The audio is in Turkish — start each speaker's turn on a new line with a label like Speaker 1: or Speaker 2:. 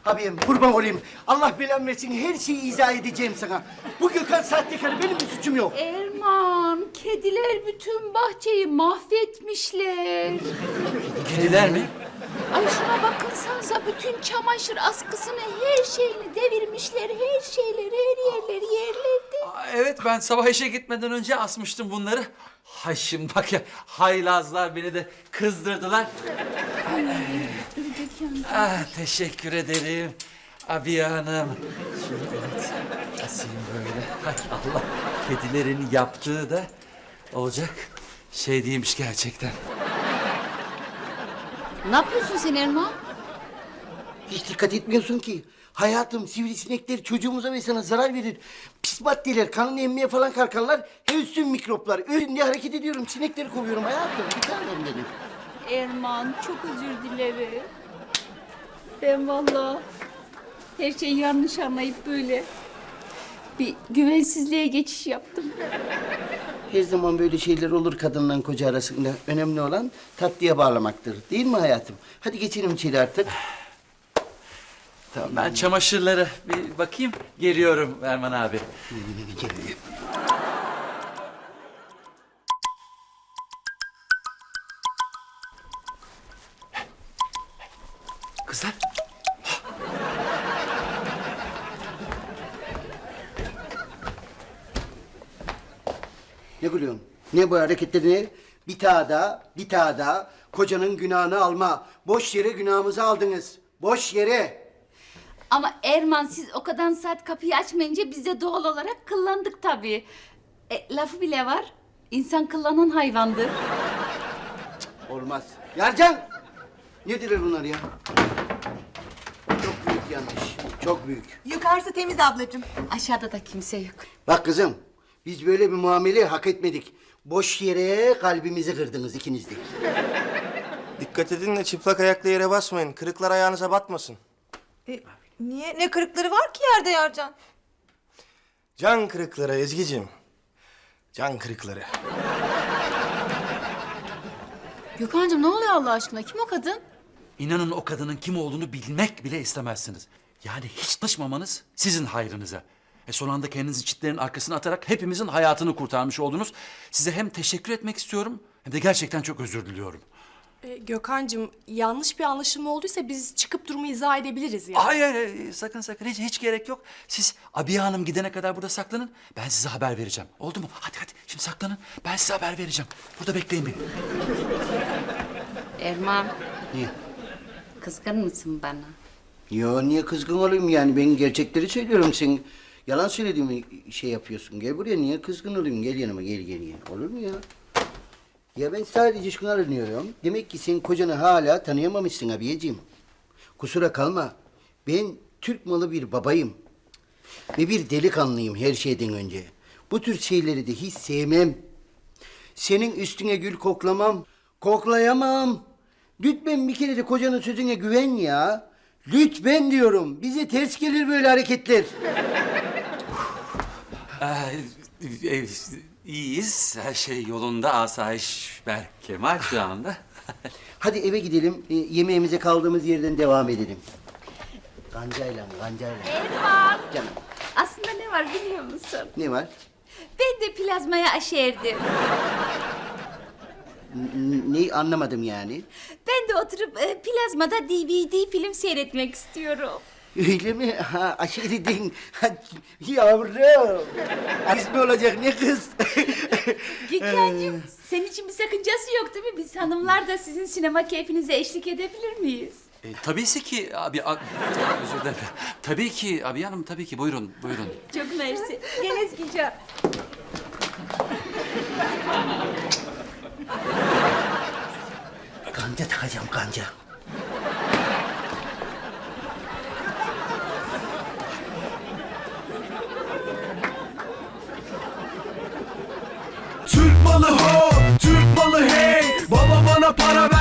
Speaker 1: Abim kurban olayım. Allah belamı versin, her şeyi izah edeceğim sana. Bu Gökhan sahtekarı, benim bir suçum yok.
Speaker 2: Erman, kediler bütün bahçeyi mahvetmişler.
Speaker 3: Kediler mi?
Speaker 2: Ay şuna bakınsanıza, bütün çamaşır askısını, her şeyini devirmişler. Her şeyleri, her yerleri yerledi.
Speaker 3: Evet, ben sabah işe gitmeden önce asmıştım bunları. Hay şimdi bak ya, haylazlar beni de kızdırdılar. Teşekkür ederim Abiye Hanım. Şimdi evet, asayım böyle. Hay Allah, kedilerin yaptığı da olacak şey değilmiş gerçekten.
Speaker 2: Ne yapıyorsun sen Erman?
Speaker 1: Hiç dikkat etmiyorsun ki. Hayatım, sivrisinekler çocuğumuza ve sana zarar verir. Pis maddeler, kanını emmeye falan kalkarlar. Hepsün mikroplar. Öyle diye hareket ediyorum, sinekleri kovuyorum hayatım. Bir tanem benim.
Speaker 2: Erman, çok özür dilerim. Ben vallahi her şeyi yanlış anlayıp böyle bir güvensizliğe geçiş yaptım.
Speaker 1: Her zaman böyle şeyler olur kadınla koca arasında. Önemli olan tatlıya bağlamaktır. Değil mi hayatım? Hadi geçelim içeri artık.
Speaker 3: Tamam, ben çamaşırlara bir bakayım, geliyorum Erman abi. Kızlar.
Speaker 1: Ne gülüyorsun? Ne bu hareketlerini? Bir daha da kocanın günahını alma. Boş yere günahımızı aldınız. Boş yere.
Speaker 2: Ama Erman, siz o kadar saat kapıyı açmayınca biz de doğal olarak kıllandık tabii. Lafı bile var. İnsan kıllanan hayvandır.
Speaker 1: Olmaz. Yarcan! Nedir bunlar ya? Çok büyük yanlış. Çok büyük.
Speaker 4: Yukarısı temiz ablacığım.
Speaker 2: Aşağıda da kimse yok.
Speaker 1: Bak kızım, biz böyle bir muamele hak etmedik. Boş yere kalbimizi kırdınız ikiniz de.
Speaker 5: Dikkat edin de çıplak ayakla yere basmayın. Kırıklar ayağınıza batmasın.
Speaker 4: Niye? Ne kırıkları var ki yerde Yarcan?
Speaker 5: Can kırıkları Ezgi'cim. Can kırıkları.
Speaker 2: Gökhan'cığım ne oluyor Allah aşkına? Kim o kadın?
Speaker 3: İnanın o kadının kim olduğunu bilmek bile istemezsiniz. Yani hiç tanışmamanız sizin hayrınıza. Son anda kendinizi çitlerin arkasına atarak hepimizin hayatını kurtarmış oldunuz. Size hem teşekkür etmek istiyorum hem de gerçekten çok özür diliyorum.
Speaker 6: Gökhan'cığım, yanlış bir anlaşılma olduysa biz çıkıp durumu izah edebiliriz yani.
Speaker 3: Hayır, sakın hiç gerek yok. Siz Abiye Hanım gidene kadar burada saklanın. Ben size haber vereceğim. Oldu mu? Hadi şimdi saklanın. Ben size haber vereceğim. Burada bekleyin beni.
Speaker 2: Erman,
Speaker 1: Niye?
Speaker 2: kızgın mısın bana?
Speaker 1: Yo, niye kızgın olayım yani? Ben gerçekleri söylüyorum. Sen yalan söylediğimi şey yapıyorsun. Gel buraya, niye kızgın olayım? Gel yanıma, gel. Olur mu ya? Ya ben sadece şunu aranıyorum. Demek ki sen kocanı hala tanıyamamışsın abiyeciğim. Kusura kalma. Ben Türk malı bir babayım. Ve bir delikanlıyım her şeyden önce. Bu tür şeyleri de hiç sevmem. Senin üstüne gül koklamam. Koklayamam. Lütfen bir kere de kocanın sözüne güven ya. Lütfen diyorum. Bize ters gelir böyle hareketler.
Speaker 3: İyiyiz. Her şey yolunda. Asayiş Berkemal şu anda.
Speaker 1: Hadi eve gidelim. Yemeğimize kaldığımız yerden devam edelim. Gancayla.
Speaker 2: Erman,
Speaker 1: Canım,
Speaker 2: aslında ne var biliyor musun?
Speaker 1: ne var?
Speaker 2: Ben de plazmaya aşerdim.
Speaker 1: Ne anlamadım yani.
Speaker 2: Ben de oturup plazmada DVD film seyretmek istiyorum.
Speaker 1: Öyle mi? Ha, aşiredin. Yavrum. Kız mı olacak, ne kız?
Speaker 2: Gökhan'cığım, senin için bir sakıncası yok değil mi? Biz hanımlar da sizin sinema keyfinize eşlik edebilir miyiz?
Speaker 3: Tabii ki abi... özür dilerim. Tabii ki Abiye Hanım, tabii ki. Buyurun.
Speaker 2: Çok mersi. Gel Ezgi'ciğim.
Speaker 1: Kanca takacağım, kanca.
Speaker 7: Türk malı ho, Türk malı hey. Baba bana para ver.